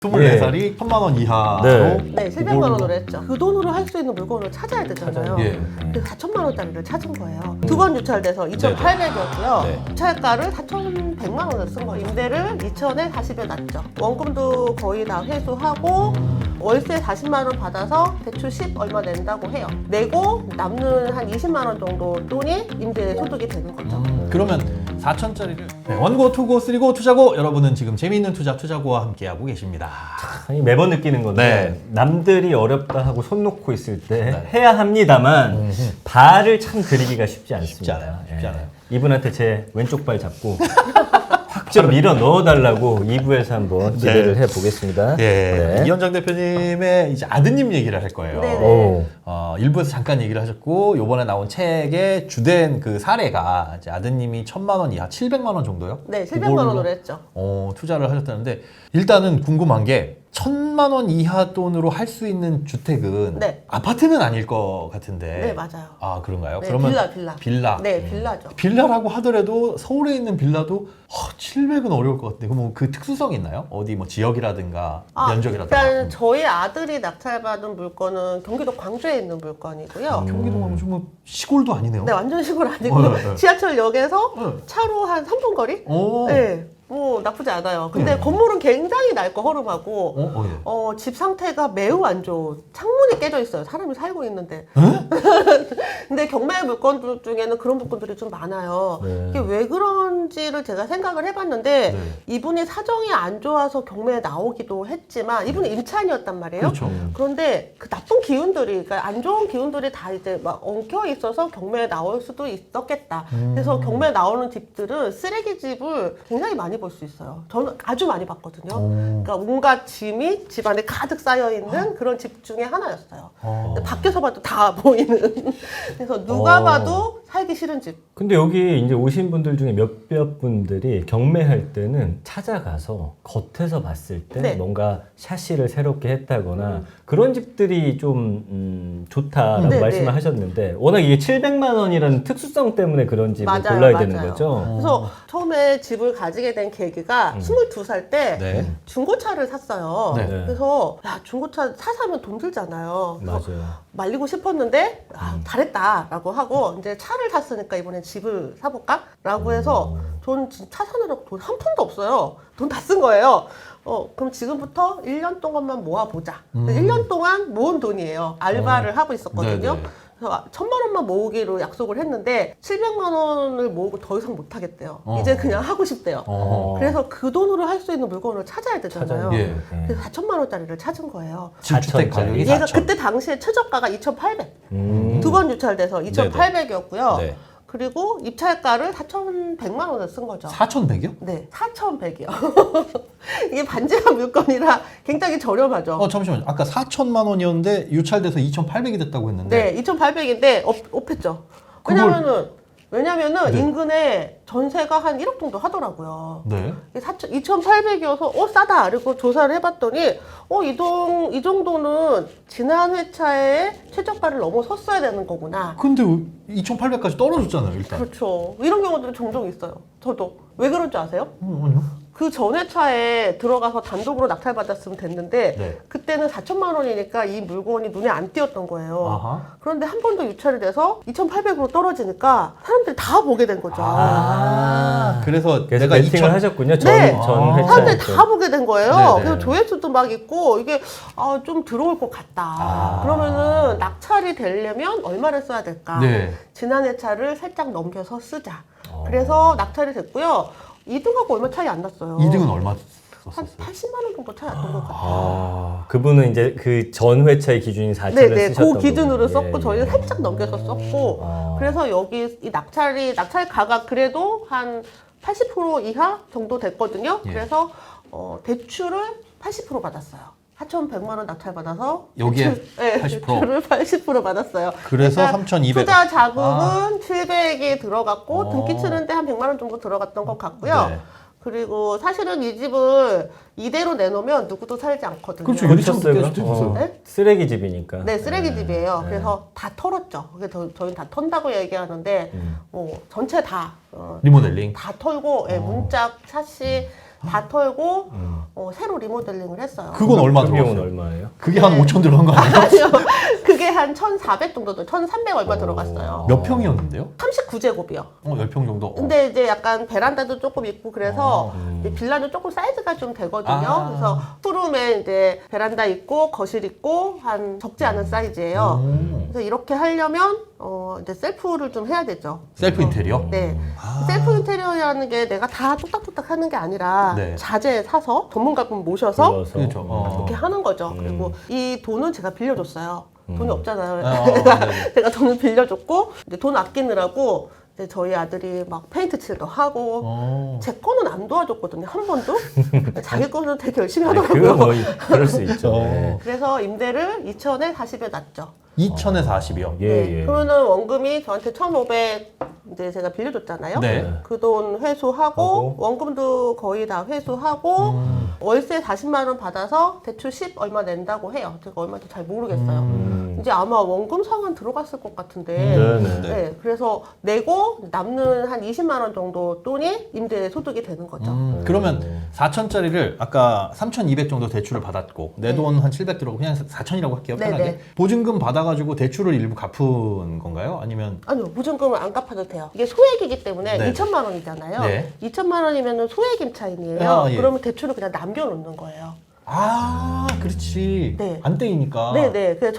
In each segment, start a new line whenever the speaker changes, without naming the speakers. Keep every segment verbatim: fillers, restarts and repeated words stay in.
스물네 살이 천만 원 이하로
네.
네, 칠백만 원으로 했죠. 그 돈으로 할 수 있는 물건을 찾아야 되잖아요.
예.
그래서 사천만 원짜리를 찾은 거예요. 두 번 유찰돼서 이천팔백이었고요.
네.
유찰가를 사천백만 원을 쓴 거예요. 임대를 이천에 사십에 놨죠. 원금도 거의 다 회수하고 월세 사십만 원 받아서 대출 십 얼마 낸다고 해요. 내고 남는 한 이십만 원 정도 돈이 임대 소득이 되는 거죠.
음, 그러면 사천짜리를 네, 원고, 투고, 쓰리고, 투자고 여러분은 지금 재미있는 투자, 투자고와 함께하고 계십니다.
아니, 매번 느끼는 건데
네.
남들이 어렵다 하고 손 놓고 있을 때
네.
해야 합니다만 발을 참 그리기가 쉽지 않습니다.
쉽지 않아요. 쉽지
예.
않아요.
이분한테 제 왼쪽 발 잡고 확 좀 밀어 넣어달라고 이 부에서 한번 기대를
네.
해보겠습니다.
예,
네.
이현장 대표님의 이제 아드님 얘기를 할 거예요.
네네.
오.
어, 일부에서 잠깐 얘기를 하셨고 요번에 나온 책의 주된 그 사례가 이제 아드님이 천만 원 이하, 칠백만 원 정도요?
네, 칠백만 원으로
그걸로,
했죠.
어, 투자를 하셨다는데 일단은 궁금한 게 천만 원 이하 돈으로 할 수 있는 주택은
네.
아파트는 아닐 것 같은데.
네, 맞아요.
아, 그런가요?
네,
그러면
빌라, 빌라.
빌라.
네, 빌라죠.
빌라라고 하더라도 서울에 있는 빌라도 어, 칠백은 어려울 것 같은데 그럼 그 특수성이 있나요? 어디 뭐 지역이라든가 면적이라든가.
일단 저희 아들이 낙찰받은 물건은 경기도 광주에 있는 물건이고요.
경기도 가면 좀 시골도 아니네요.
네, 완전 시골 아니고
어, 네, 네.
지하철역에서
네.
차로 한 삼 분 거리?
오.
네, 뭐 나쁘지 않아요. 근데
네.
건물은 굉장히 낡고 허름하고
어, 어, 예.
어, 집 상태가 매우 안 좋은, 창문이 깨져 있어요. 사람이 살고 있는데. 근데 경매 물건들 중에는 그런 물건들이 좀 많아요.
네.
이게 왜 그런지를 제가 생각을 해봤는데
네.
이분이 사정이 안 좋아서 경매에 나오기도 했지만 이분은 임차인이었단 말이에요.
그렇죠.
음.
그런데 그 나쁜 기운들이, 그러니까 안 좋은 기운들이 다 이제 막 엉켜 있어서 경매에 나올 수도 있었겠다.
음.
그래서 경매에 나오는 집들은 쓰레기 집을 굉장히 많이 볼 수 있어요. 저는 아주 많이 봤거든요.
오.
그러니까 온갖 짐이 집 안에 가득 쌓여 있는 그런 집 중에 하나였어요.
어.
근데 밖에서 봐도 다 보이는. 그래서 누가
어.
봐도 살기 싫은 집.
근데 여기 이제 오신 분들 중에 몇몇 분들이 경매할 때는 찾아가서 겉에서 봤을 때
네.
뭔가 샤시를 새롭게 했다거나 그런 집들이 좀 음, 좋다라고
네,
말씀을
네.
하셨는데 워낙 이게 칠백만 원이라는 특수성 때문에 그런 집을
맞아요,
골라야
맞아요.
되는 거죠.
그래서 처음에 집을 가지게 된 계기가 스물두 살 때
네.
중고차를 샀어요.
네.
그래서 야, 중고차 사 사면 돈 들잖아요. 그래서
맞아요.
말리고 싶었는데 아,
음.
잘했다라고 하고 이제 차를 샀으니까 이번엔 집을 사볼까라고 해서 전 차 사느라고 돈 한 푼도 없어요. 돈 다 쓴 거예요. 어, 그럼 지금부터 일 년 동안만 모아보자.
음.
일 년 동안 모은 돈이에요. 알바를 하고 있었거든요.
네네.
그래서 천만 원만 모으기로 약속을 했는데 칠백만 원을 모으고 더 이상 못 하겠대요.
어.
이제 그냥 하고 싶대요.
어.
그래서 그 돈으로 할 수 있는 물건을 찾아야 되잖아요.
찾아요.
예.
그래서 사천만 원짜리를 찾은 거예요.
주택 가격이
얘가
사천.
그때 당시에 최저가가 이천팔백.
음.
두 번 유찰돼서 이천팔백이었고요.
네.
그리고 입찰가를 사천백만 원을 쓴 거죠.
사천백이요?
네, 사천백이요. 이게 반지하 물건이라 굉장히 저렴하죠.
어, 잠시만요. 아까 사천만 원이었는데 유찰돼서 이천팔백이 됐다고 했는데.
네, 이천팔백인데 업, 업했죠.
그걸-
왜냐면은 왜냐면은
네.
인근에 전세가 한 일억 정도 하더라고요.
네.
이천팔백이어서 어 싸다. 그리고 조사를 해봤더니 어 이동 이 정도는 지난 회차에 최저가를 넘어섰어야 되는 거구나.
근데 이천팔백까지 떨어졌잖아요, 일단.
그렇죠. 이런 경우들이 종종 있어요. 저도 왜 그런 줄 아세요?
어, 아니요.
그 전 회차에 들어가서 단독으로 낙찰받았으면 됐는데
네.
그때는 사천만 원이니까 이 물건이 눈에 안 띄었던 거예요.
아하.
그런데 한 번 더 유찰이 돼서 이천팔백으로 떨어지니까 사람들이 다 보게 된 거죠.
아, 그래서
그래서
내가
매칭을
이천
하셨군요. 전,
네.
전
아.
회차.
사람들이 다 보게 된 거예요.
네네.
그래서 조회수도 막 있고 이게 아, 좀 들어올 것 같다.
아.
그러면은 낙찰이 되려면 얼마를 써야 될까?
네.
지난 회차를 살짝 넘겨서 쓰자.
어.
그래서 낙찰이 됐고요. 이 등하고 얼마 차이 안 났어요.
이 등은 얼마
한
썼었어요?
팔십만 원 정도 차이 안 난 것 같아요.
아, 그분은 이제 그 전 회차의 기준인 사천을
네네,
쓰셨던
그 기준으로
거군요.
썼고
예,
저희는
예.
살짝 넘겨서 썼고
아.
그래서 여기 이 낙찰이 낙찰 가가 그래도 한 팔십 퍼센트 이하 정도 됐거든요.
예.
그래서 어, 대출을 팔십 퍼센트 받았어요. 사천백만 원 낙찰 받아서
여기에
대출, 네,
팔십 퍼센트?
대출을 팔십 퍼센트 받았어요.
그래서
그러니까
삼천이백.
투자 자금은 칠백이 들어갔고
어.
등기 치는데 한 백만 원 정도 들어갔던 것 같고요.
네.
그리고 사실은 이 집을 이대로 내놓으면 누구도 살지 않거든요.
그렇죠.
그렇겠어요.
유리창도 깨질
어,
네?
쓰레기 집이니까.
네, 쓰레기 집이에요.
네.
그래서 다 털었죠. 그게 저, 저희는 다 턴다고 얘기하는데,
음.
뭐, 전체 다, 어,
리모델링.
다 털고, 예, 문짝, 샤시, 다 털고
음.
어, 새로 리모델링을 했어요.
그건 얼마
그 비용은
들어갔어요?
얼마예요?
그게 한 오천 들어간 거 아니에요?
아니요. 그게 한 천사백 정도, 들- 천삼백 얼마
오.
들어갔어요.
몇 평이었는데요?
삼십구 제곱이요.
어, 십 평 정도. 어.
근데 이제 약간 베란다도 조금 있고 그래서
음.
이제 빌라는 조금 사이즈가 좀 되거든요.
아.
그래서 투룸에 이제 베란다 있고 거실 있고 한 적지 않은 사이즈예요.
음.
그래서 이렇게 하려면 어 이제 셀프를 좀 해야 되죠.
셀프 인테리어?
네.
아.
셀프 인테리어라는 게 내가 다 뚝딱뚝딱 하는 게 아니라
네.
자재 사서 전문가분 모셔서
불러서.
그렇죠. 어.
이렇게 하는 거죠.
음.
그리고 이 돈은 제가 빌려줬어요. 돈이
음.
없잖아요.
어, 네네.
제가 돈을 빌려줬고 이제 돈 아끼느라고 이제 저희 아들이 막 페인트 칠도 하고
어.
제 거는 안 도와줬거든요. 한 번도. 자기 거는 되게 열심히
아니,
하더라고요.
그거 뭐 그럴 수 있죠.
어.
네.
그래서 임대를 이천에 사십에 놨죠.
이천에 사십이요.
예,
네.
예.
그러면은 원금이 저한테 천오백 이제 제가 빌려줬잖아요.
네.
그 돈 회수하고
하고.
원금도 거의 다 회수하고
음.
월세 사십만 원 받아서 대출 십 얼마 낸다고 해요. 제가 얼마인지 잘 모르겠어요.
음.
이제 아마 원금 상환 들어갔을 것 같은데.
네네.
네. 그래서 내고 남는 한 이십만 원 정도 돈이 임대 소득이 되는 거죠.
음, 그러면 사천짜리를 아까 삼천이백 정도 대출을 받았고 내 돈 한 칠백 들어오고 그냥 사천이라고 할게요.
네,
편하게.
네.
보증금 받아가지고 대출을 일부 갚은 건가요? 아니면
아니요, 보증금을 안 갚아도 돼요. 이게 소액이기 때문에
네.
이천만 원이잖아요.
네.
이천만 원이면 소액 임차인이에요.
아, 예.
그러면 대출을 그냥 남겨놓는 거예요.
아, 그렇지.
네.
안 떼이니까.
네네. 그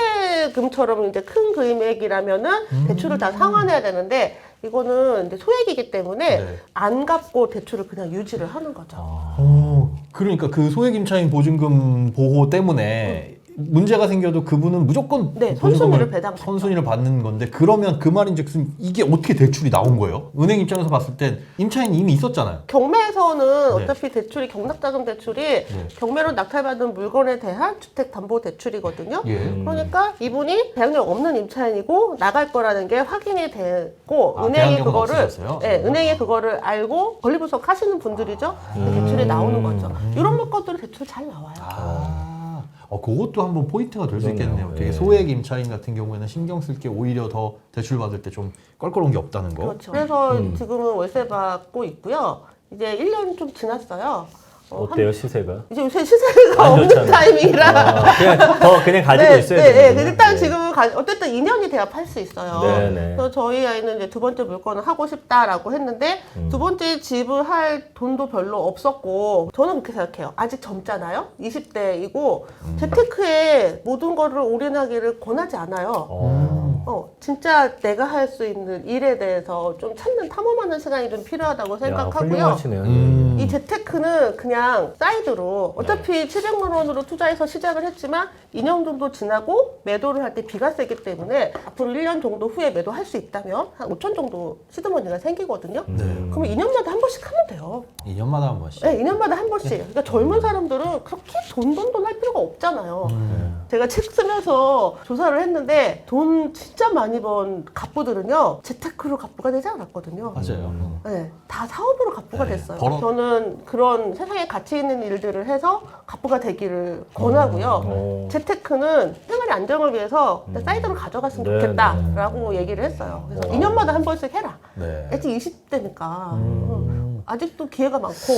전세금처럼 이제 큰 금액이라면은
음.
대출을 다 상환해야 되는데 이거는 이제 소액이기 때문에
네.
안 갚고 대출을 그냥 유지를 하는 거죠.
어, 그러니까 그 소액 임차인 보증금 보호 때문에 문제가 생겨도 그분은 무조건
네,
그
선순위를
보증금을-
배당받죠.
선순위를 받는 건데 그러면 그 말인즉슨 이게 어떻게 대출이 나온 거예요? 은행 입장에서 봤을 땐 임차인이 이미 있었잖아요.
경매에서는
네.
어차피 대출이 경락자금 대출이 경매로 낙찰받은 물건에 대한 주택담보대출이거든요.
예.
음.
그러니까 이분이 대항력 없는 임차인이고 나갈 거라는 게 확인이 되고
아,
은행이
대항력은
그거를
없으셨어요?
네, 은행이 그거를 알고 권리분석 하시는 분들이죠.
음.
대출이 나오는 거죠. 이런 물건들은 대출 잘 나와요.
아, 어, 그것도 한번 포인트가 될 수
그러네요.
있겠네요. 되게
네.
소액 임차인 같은 경우에는 신경 쓸 게 오히려 더 대출 받을 때 좀 껄끄러운 게 없다는 거.
그렇죠. 그래서
음.
지금은 월세 받고 있고요. 이제 일 년 좀 지났어요. 어, 한-
어때요 시세가?
이제 요새 시세가
안
없는
좋잖아요.
타이밍이라.
아, 그냥 더 그냥 가지고
네,
있어야
네, 네.
되는군요.
일단
네.
지금은 가, 어쨌든 이 년이 돼야 팔 수 있어요.
네, 네.
그래서 저희 아이는 이제 두 번째 물건을 하고 싶다라고 했는데
음.
두 번째 집을 할 돈도 별로 없었고 저는 그렇게 생각해요. 아직 젊잖아요. 이십 대이고
음.
재테크에 모든 거를 올인하기를 권하지 않아요.
어.
어, 진짜 내가 할 수 있는 일에 대해서 좀 찾는 탐험하는 시간이 좀 필요하다고
야,
생각하고요.
훌륭하시네요.
음.
이 재테크는 그냥 사이드로 어차피 칠백만 원으로 투자해서 시작을 했지만 이 년 정도 지나고 매도를 할 때 비과세이기 때문에 앞으로 일 년 정도 후에 매도할 수 있다면 한 오천 정도 시드머니가 생기거든요.
음.
네.
그러면 이 년마다 한 번씩 하면 돼요.
이 년마다 한 번씩.
네, 이 년마다 한 번씩. 그러니까 젊은 사람들은 그렇게 돈 돈 돈 할 필요가 없잖아요.
음.
제가 책 쓰면서 조사를 했는데 돈 진짜 많이 번 갑부들은요 재테크로 갑부가 되지 않았거든요.
맞아요.
음.
네, 다 사업으로 갑부가
네,
됐어요.
벌어-
저는 그런 세상에 가치 있는 일들을 해서 갑부가 되기를 권하고요.
어.
재테크는 생활의 안정을 위해서
음.
사이드로 가져갔으면
네,
좋겠다라고 얘기를 했어요. 그래서
와.
이 년마다 한 번씩 해라.
네.
아직 이십 대니까
음.
아직도 기회가 많고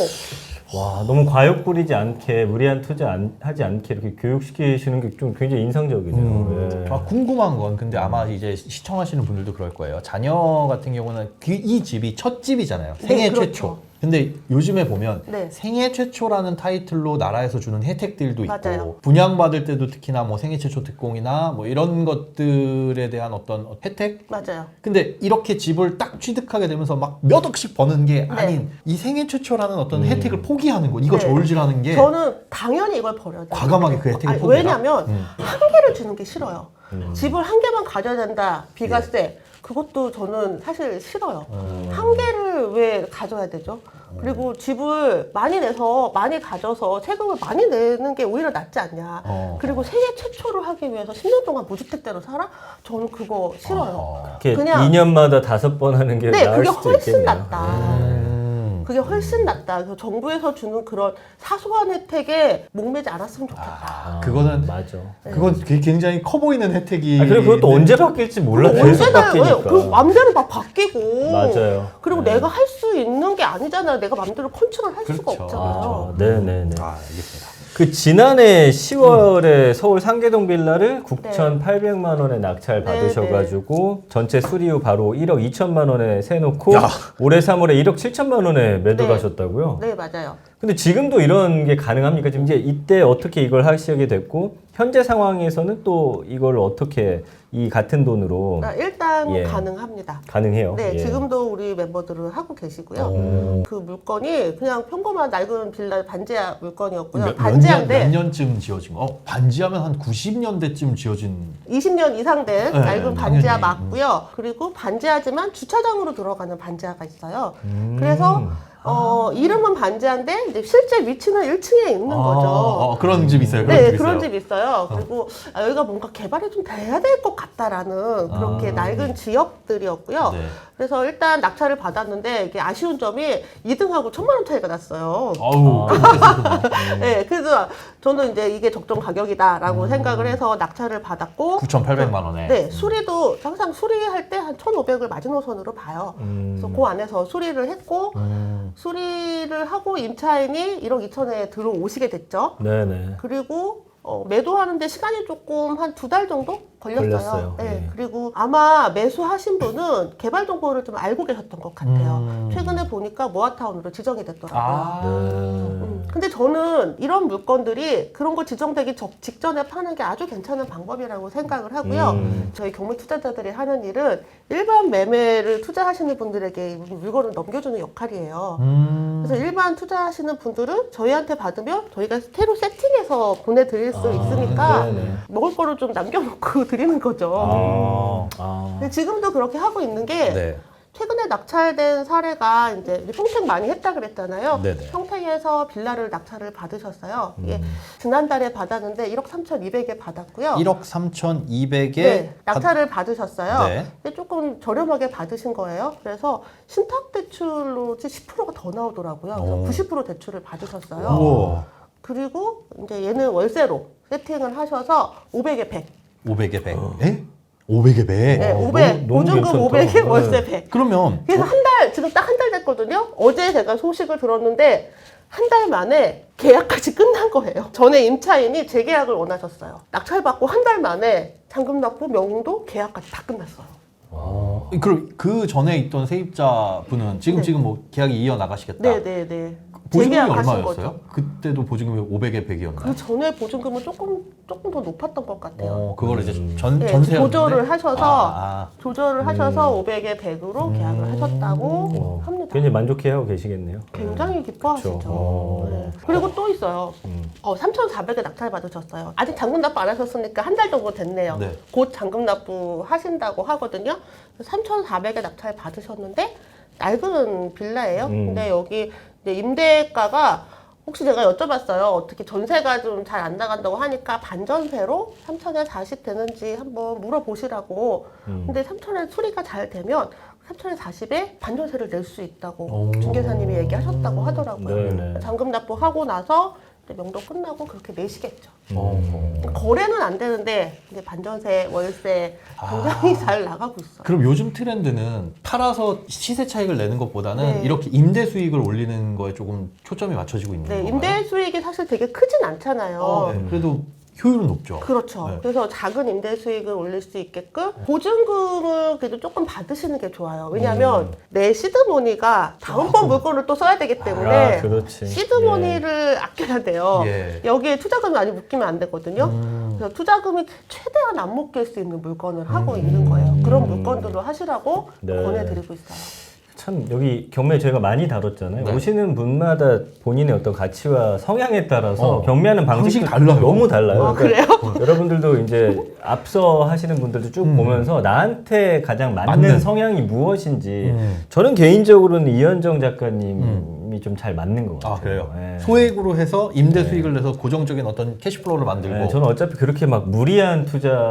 와 너무 과욕 부리지 않게 무리한 투자 안, 하지 않게 이렇게 교육시키시는 게 좀 굉장히 인상적이네요.
음.
네.
아, 궁금한 건 근데 아마 이제 시청하시는 분들도 그럴 거예요. 자녀 같은 경우는 그, 이 집이 첫 집이잖아요.
네,
생애
그렇죠.
최초. 근데 요즘에 보면
네.
생애 최초라는 타이틀로 나라에서 주는 혜택들도 있고
맞아요.
분양받을 때도 특히나 뭐 생애 최초 특공이나 뭐 이런 것들에 대한 어떤 혜택?
맞아요.
근데 이렇게 집을 딱 취득하게 되면서 막 몇 억씩 버는 게 아닌 이 생애 최초라는 어떤
음.
혜택을 포기하는 거 이거
네.
저울질하는 게
저는 당연히 이걸 버려야 돼요.
과감하게 그 혜택을
아니,
포기해라?
왜냐면
음.
한 개를 주는 게 싫어요.
음.
집을 한 개만 가져야 된다. 비과세. 그것도 저는 사실 싫어요.
음.
한 개를 왜 가져야 되죠? 그리고 집을 많이 내서 많이 가져서 세금을 많이 내는 게 오히려 낫지 않냐.
어.
그리고 세계 최초를 하기 위해서 십 년 동안 무주택대로 살아? 저는 그거 싫어요.
어.
이렇게
그냥-
이 년마다 다섯 번 하는 게
네,
나을
그게
수도
훨씬
있겠네요.
낫다.
음.
그게 훨씬 낫다. 그래서 정부에서 주는 그런 사소한 혜택에 목매지 않았으면 좋겠다.
아, 그거는
맞아.
그건 굉장히 커 보이는 혜택이.
아, 그리고 그것도 언제 바뀔지 몰라.
그거
계속
언제나
바뀌니까.
그 맘대로 막 바뀌고.
맞아요.
그리고
네.
내가 할 수 있는 게 아니잖아요. 내가 맘대로 컨트롤 할 수가
그렇죠.
없잖아요.
아, 네네네.
아, 알겠습니다.
그 지난해 시월에 서울 상계동 빌라를 구천팔백만 원에 낙찰
네,
받으셔가지고 전체 수리 후 바로 일억 이천만 원에 세놓고
야.
올해 삼월에 일억 칠천만 원에 매도를 하셨다고요?
네, 맞아요.
근데 지금도 이런 게 가능합니까? 지금 이제 이때 어떻게 이걸 하시게 됐고 현재 상황에서는 또 이걸 어떻게 이 같은 돈으로
그러니까 일단
예.
가능합니다.
가능해요?
네,
예.
지금도 우리 멤버들은 하고 계시고요.
오.
그 물건이 그냥 평범한 낡은 빌라 반지하 물건이었고요.
몇, 몇, 년,
반지하인데
몇 년쯤 지어진 거? 어, 반지하면 한 구십 년대쯤 지어진.
이십 년 이상 된
네,
낡은 반지하
당연히.
맞고요. 그리고 반지하지만 주차장으로 들어가는 반지하가 있어요.
음.
그래서 어, 이름은 반지하인데 이제 실제 위치는 일 층에 있는
아,
거죠.
어, 그런 집 있어요. 그런
네,
집
그런
있어요.
집 있어요. 그리고 아, 여기가 뭔가 개발이 좀 돼야 될 것 같다라는 그렇게
아.
낡은 지역들이었고요.
네.
그래서 일단 낙찰을 받았는데 이게 아쉬운 점이 이 등하고 천만 원 차이가 났어요.
아우.
네, 그래서 저는 이제 이게 적정 가격이다라고
음.
생각을 해서 낙찰을 받았고
구천팔백만 원에.
네, 수리도 항상 수리할 때 한 천오백을 마지노선으로 봐요.
음.
그래서 그 안에서 수리를 했고
음.
수리를 하고 임차인이 일억 이천에 들어오시게 됐죠.
네네.
그리고 어, 매도하는데 시간이 조금 한 두 달 정도 걸렸어요.
걸렸어요.
네.
예.
그리고 아마 매수하신 분은 개발 정보를 좀 알고 계셨던 것 같아요.
음.
최근에 보니까 모아타운으로 지정이 됐더라고요.
아.
음, 근데 저는 이런 물건들이 그런 거 지정되기 적- 직전에 파는 게 아주 괜찮은 방법이라고 생각을 하고요.
음.
저희 경매 투자자들이 하는 일은 일반 매매를 투자하시는 분들에게 물건을 넘겨주는 역할이에요.
음.
그래서 일반 투자하시는 분들은 저희한테 받으면 저희가 새로 세팅해서 보내드릴 수
아,
있으니까
네네.
먹을 거를 좀 남겨놓고 드리는 거죠.
아.
아.
근데 지금도 그렇게 하고 있는 게
네.
최근에 낙찰된 사례가 이제 우리 평택 많이 했다 그랬잖아요.
네네.
평택에서 빌라를 낙찰을 받으셨어요. 이게
음.
지난달에 받았는데 일억 삼천이백에 받았고요.
일억 삼천이백에
네, 낙찰을 받으셨어요.
네.
근데 조금 저렴하게 받으신 거예요. 그래서 신탁 대출로 십 퍼센트가 더 나오더라고요. 그래서
오.
구십 퍼센트 대출을 받으셨어요.
우와.
그리고 이제 얘는 월세로 세팅을 하셔서 오백에 백.
오백에 백. 에? 오백에 백?
네,
어,
오백.
너무- 너무
보증금
괜찮다.
오백에
네.
월세 백.
그러면
그래서 한 달, 지금 딱 한 달 됐거든요. 어제 제가 소식을 들었는데 한 달 만에 계약까지 끝난 거예요. 전에 임차인이 재계약을 원하셨어요. 낙찰받고 한 달 만에 잔금 납부, 명도, 계약까지 다 끝났어요.
어, 그럼 그 전에 있던 세입자 분은 지금
네.
지금 뭐 계약이 이어 나가시겠다.
네네네.
보증금이
재계약하신
얼마였어요? 그때도 보증금이 오백에 백이었나요?
그 전에 보증금은 조금 조금 더 높았던 것 같아요.
어, 그걸 이제
음.
전
네,
전세
조절을 하셔서
아,
조절을 하셔서 오백에 백으로 계약을
음.
하셨다고
어,
합니다.
굉장히 만족해하고 계시겠네요.
굉장히 기뻐하시죠.
그쵸. 어.
네. 그리고 또 있어요.
음.
어, 삼천사백에 낙찰 받으셨어요. 아직 잔금 납부 안 하셨으니까 한 달 정도 됐네요.
네.
곧 잔금 납부 하신다고 하거든요. 삼천사백에 낙찰 받으셨는데 낡은 빌라예요.
음.
근데 여기 이제 임대가가 혹시 제가 여쭤봤어요. 어떻게 전세가 좀 잘 안 나간다고 하니까 반전세로 삼천에 사십 되는지 한번 물어보시라고.
음.
근데 삼천에 수리가 잘 되면 삼천에 사십에 반전세를 낼 수 있다고
오.
중개사님이 얘기하셨다고 하더라고요.
네네.
잔금 납부하고 나서 이제 명도 끝나고 그렇게 내시겠죠.
어.
거래는 안 되는데 이제 반전세, 월세 굉장히
아.
잘 나가고 있어요.
그럼 요즘 트렌드는 팔아서 시세 차익을 내는 것보다는
네.
이렇게 임대 수익을 올리는 거에 조금 초점이 맞춰지고 있는
네,
건가요?
임대 수익이 사실 되게 크진 않잖아요.
어, 네. 그래도 효율은 높죠.
그렇죠.
네.
그래서 작은 임대 수익을 올릴 수 있게끔 보증금을 그래도 조금 받으시는 게 좋아요. 왜냐하면
음.
내 시드머니가 다음번 물건을 또 써야 되기 때문에
아, 그렇지.
시드머니를 아껴야 돼요.
예.
여기에 투자금이 많이 묶이면 안 되거든요.
음.
그래서 투자금이 최대한 안 묶일 수 있는 물건을 하고
음.
있는 거예요. 그런 물건들로 하시라고
네.
권해드리고 있어요.
참 여기 경매 저희가 많이 다뤘잖아요.
네.
오시는 분마다 본인의 어떤 가치와 성향에 따라서
어.
경매하는 방식이
방식이 달라요.
너무 달라요.
아,
그러니까 여러분들도 이제 앞서 하시는 분들도 쭉
음.
보면서 나한테 가장 맞는,
맞는.
성향이 무엇인지
음.
저는 개인적으로는 이현정 작가님이 시스템이 좀 잘 맞는 것 같아요.
아 그래요?
예.
소액으로 해서 임대 수익을 내서 고정적인 어떤 캐시플로우를 만들고
네, 저는 어차피 그렇게 막 무리한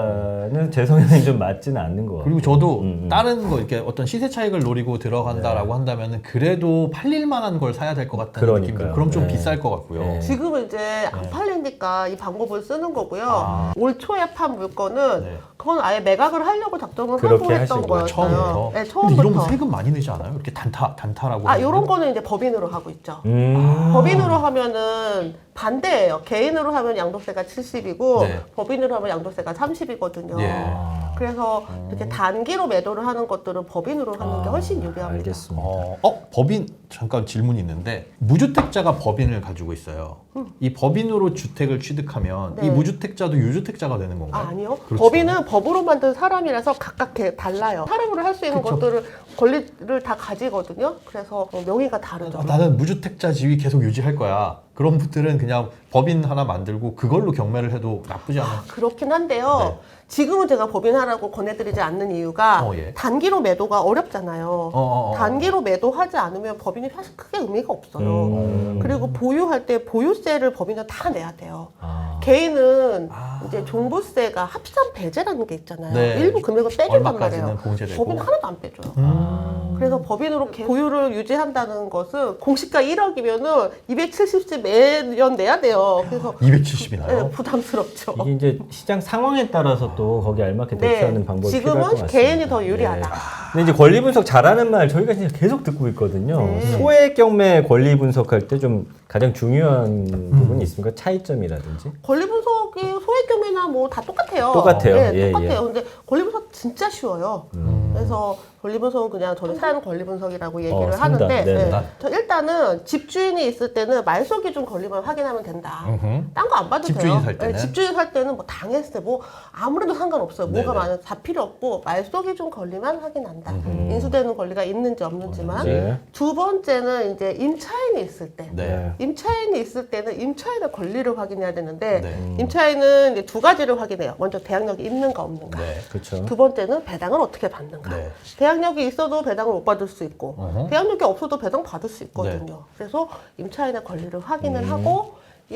투자는 제 성향에 좀 맞지는 않는 것 같아요.
그리고 저도
음, 음.
다른 거 이렇게 어떤 시세 차익을 노리고 들어간다라고 한다면은 그래도 팔릴 만한 걸 사야 될 것 같다는
그러니까요.
느낌도 그럼 좀
네.
비쌀 것 같고요.
네.
지금은 이제 안 팔리니까 이 방법을 쓰는 거고요.
아.
올 초에 판 물건은
네.
그건 아예 매각을 하려고 작정을
그렇게
하고 했던
하신 거예요,
거였어요.
처음부터.
네,
근데
처음부터.
이러면 세금 많이 내지 않아요? 이렇게 단타 단타라고.
아,
하면은?
요런 거는 이제 법인으로 하고 있죠.
음.
법인으로 하면은 반대예요. 개인으로 하면 양도세가 칠십이고
네.
법인으로 하면 양도세가 삼십이거든요.
예.
그래서 이렇게 단기로 매도를 하는 것들은 법인으로 하는 게 훨씬 유리합니다.
알겠습니다.
어, 어, 법인 잠깐 질문이 있는데 무주택자가 법인을 가지고 있어요. 이 법인으로 주택을 취득하면
네.
이 무주택자도 유주택자가 되는 건가요?
아, 아니요.
그렇죠.
법인은 법으로 만든 사람이라서 각각 개- 달라요. 사람으로 할 수 있는
그쵸.
것들을 권리를 다 가지거든요. 그래서 어, 명의가 다르죠.
아, 나는 무주택자 지위 계속 유지할 거야. 그런 분들은 그냥 법인 하나 만들고 그걸로 경매를 해도 나쁘지 않아요.
그렇긴 한데요.
네.
지금은 제가 법인하라고 권해드리지 않는 이유가
어, 예.
단기로 매도가 어렵잖아요.
어, 어, 어.
단기로 매도하지 않으면 법인이 사실 크게 의미가 없어요.
음.
그리고 보유할 때 보유세를 법인은 다 내야 돼요.
아.
개인은
아.
이제 종부세가 합산 배제라는 게 있잖아요.
네.
일부 금액을 빼준단
얼마까지는
말이에요.
봉제되고.
법인 하나도 안 빼줘요.
음.
그래서 법인으로 개- 보유를 유지한다는 것은 공시가 일억이면은 이백칠십씩 매년 내야 돼요. 그래서
이백칠십이 나요?
네, 부담스럽죠.
이게 이제 시장 상황에 따라서 또 거기에 알맞게
네,
대처하는 방법이 필요할 것
지금은
같습니다.
개인이 더 유리하다.
네. 근데 이제 권리 분석 잘하는 말 저희가 진짜 계속 듣고 있거든요.
네.
소액 경매 권리 분석할 때 좀 가장 중요한
음.
부분이 있습니까? 차이점이라든지.
권리 분석이 소액 경매나 뭐 다 똑같아요.
똑같아요.
네,
예,
똑같아요.
예.
근데 권리 분석 진짜 쉬워요.
음.
그래서 권리 분석은 그냥 저는 산단 권리 분석이라고 얘기를
어, 상단.
하는데
네네.
네. 저 일단은 집주인이 있을 때는 말소 기준 권리만 확인하면 된다.
음흠.
딴 거 안 봐도
집주인이
돼요.
살 때는?
네, 집주인 살 때는 뭐 당했을 뭐 아무래도 상관없어요. 뭐가
네네.
많은 다 필요 없고 말소 기준 권리만 확인한다.
음흠.
인수되는 권리가 있는지 없는지만.
네.
두 번째는 이제 임차인이 있을 때.
네.
임차인이 있을 때는 임차인의 권리를 확인해야 되는데
네.
임차인은 이제 두 가지를 확인해요. 먼저 대항력이 있는가 없는가.
네.
그렇죠.
두 번째는 배당을 어떻게 받는가.
네.
대항력이 있어도 배당을 못 받을 수 있고
어허.
대항력이 없어도 배당 받을 수 있거든요. 그래서 임차인의 권리를 확인을 하고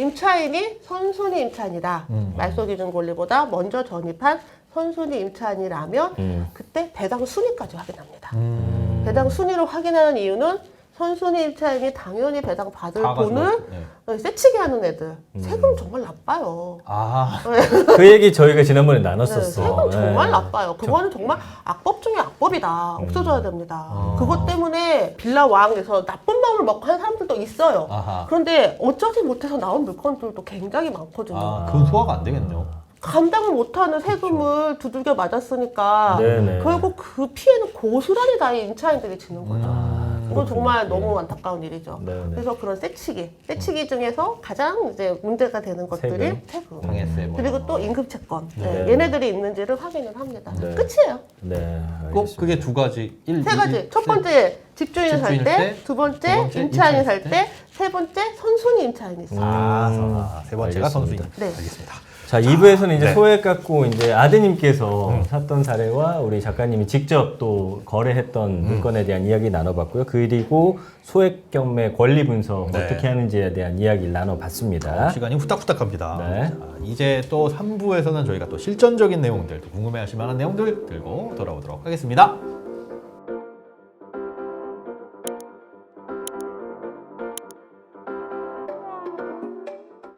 임차인이 선순위 임차인이다.
음.
말소 기준 권리보다 먼저 전입한 선순위 임차인이라면
음.
그때 배당 순위까지 확인합니다.
음.
배당 순위를 확인하는 이유는 선순위 임차인이 당연히 배당 받을
다 가지고
돈을
네.
세치게 하는 애들 세금 정말 나빠요.
아.
그 얘기 저희가 지난번에
네,
나눴었어.
세금 정말
네.
나빠요. 그거는 정말 악법 중에 악법이다. 없어져야 됩니다.
아.
그것 때문에 빌라 왕에서 나쁜 마음을 먹고 한 사람들도 있어요.
아하.
그런데 어쩌지 못해서 나온 물건들도 굉장히 많거든요.
아, 그건 소화가 안 되겠네요.
감당을 못하는 세금을 두들겨 맞았으니까
네네.
결국 그 피해는 고스란히 다 이 임차인들이 지는 거죠.
음.
이건 정말 너무 안타까운 일이죠.
네네.
그래서 그런 세치기, 세치기 중에서 가장 이제 문제가 되는 것들이
세금.
세금.
당했어요. 뭐.
그리고 또 임금채권.
네.
네, 얘네들이 있는지를 확인을 합니다.
네.
끝이에요.
네.
꼭
알겠습니다.
그게 두 가지. 일,
세 가지.
일,
첫 번째 집주인이 살
집주인일
때,
때,
두 번째,
두 번째
임차인이
임차인일
살
때,
때, 세 번째 선순위 임차인이 있어요.
아,
음.
아, 세 번째가
알겠습니다.
선수인.
네.
알겠습니다.
자, 이 부에서는 이제
네.
소액 갖고 이제 아드님께서 샀던 사례와 우리 작가님이 직접 또 거래했던 물건에 대한 이야기 나눠봤고요. 그리고 소액 경매 권리 분석
네.
어떻게 하는지에 대한 이야기를 나눠봤습니다.
시간이 후딱후딱합니다.
네.
자, 이제 또 삼 부에서는 저희가 또 실전적인 내용들, 또 궁금해하실 만한 내용들 들고 돌아오도록 하겠습니다.